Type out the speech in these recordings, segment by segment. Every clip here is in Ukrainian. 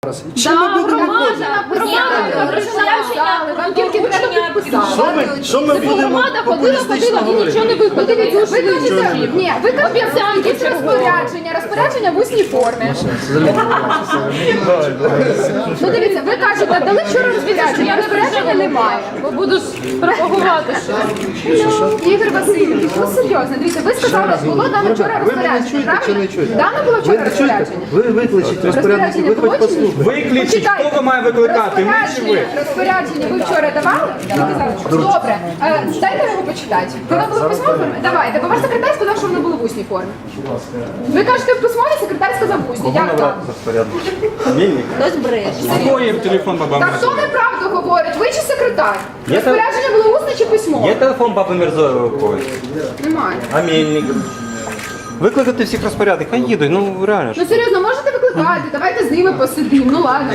зараз. Чим ми будемо виходити? Що ми будемо Громада популістично ходила і говорити? нічого не виходило. Ні, ви кажете, якісь розпорядження в усній формі. Ну дивіться, ви кажете, дали вчора розпорядження, розпорядження немає. Бо будеш пропагувати щось. Ігор Васильович, ну серйозно, дивіться, ви сказали, було дано вчора Ви мене розпорядження, чуєте чи правильно? не чуєте? Дано було Ви вчора не чуєте? розпорядження. Ви викличіть розпорядників, ви хоч послухайте. Виключіть, хто ви має викликати, ми чи ви? Розпорядження ви вчора давали? Добре, дайте його почитати. Воно було в письмовій формі? Давайте, бо ваш секретар сказав, що воно було в усній формі. Ви кажете в письмовій, секретар сказав в усній. Як так? Твоїм телефон, баба Так хто Мирзоєва. неправду говорить? Ви чи секретар? Я Розпорядження було усне чи письмове? Є телефон Баби Мирзоєвої у когось? Немає. А Мельник? Викликати всіх розпорядок, хай їдуть, ну реально ж. Ну серйозно, можете викликати, давайте з ними посидимо. Ну ладно.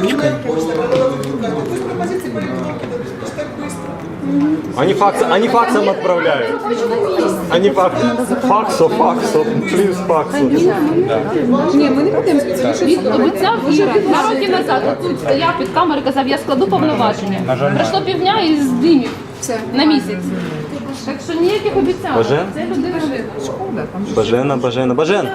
Они факсом отправляют. Они факсом, плюс факсом. Ні, ми не будемо Він обіцяв Іра 2 роки назад. Тут стояв під камерою, казав, я складу повноваження. Пройшло півдня і здимів Все. на місяць. Так що ніяких обіцянок. Бажен? Це людина. Бажена.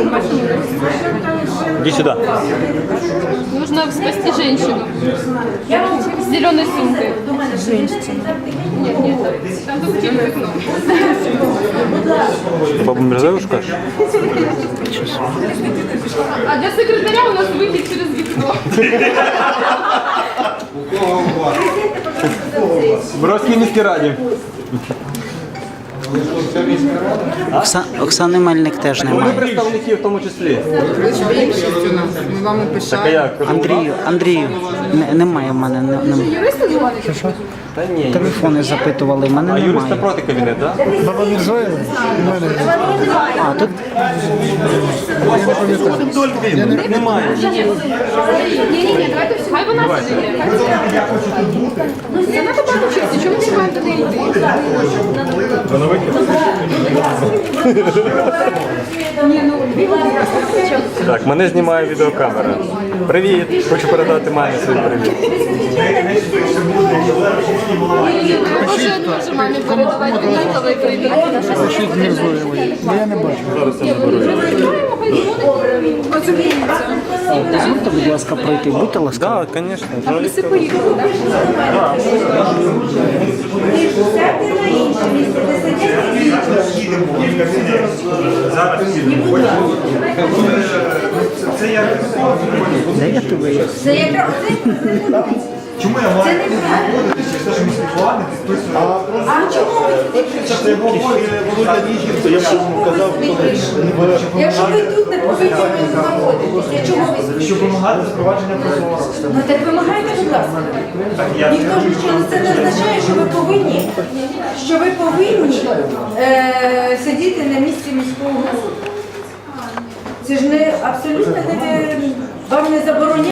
Иди сюда. Нужно спасти женщину. С зеленой сумкой. Нет, нет. Там только окно. Ты Бабу Мирзоеву скажешь? А для секретаря у нас выход через вікно. В Роскільміській раді. Оксани Мельник теж Вони немає. представники в тому числі. Ми вам і Так а як? Андрію, немає в мене. Юристи дзвонять? Та ні. Телефони запитували, в мене А юриста немає. проти кабінет, так? Баба Мірзоєва? А, тут Вдоль він, немає. Ні, давайте всі. Хай вона сидить. Це надо багато честі, чому ми не маємо до неї йти? Ні, ну, 2 години. Так, мене знімає відеокамера. Привіт, хочу передати мамі свій привіт. Може, дуже мамі передавати однаковий привіт. Пишіть Мірзоєвої. Я не бачу. дозвольте, будь ласка, пройти. Будьте ласка. Так, звісно. Всі поїхали, так? Де я тебе? Чому я маю виходити через те, що ми спілкували, підписую? А чому ви Володя Ніжівця, я б казав, Якщо ви тут не повинні знаходитися, чому ви? щоб вимагати запровадження прозорого. Ну так вимагайте, будь ласка. Ніхто ж нічого, це не означає, що ви повинні сидіти на місці міського голови. Це ж не абсолютно не вам не забороняє.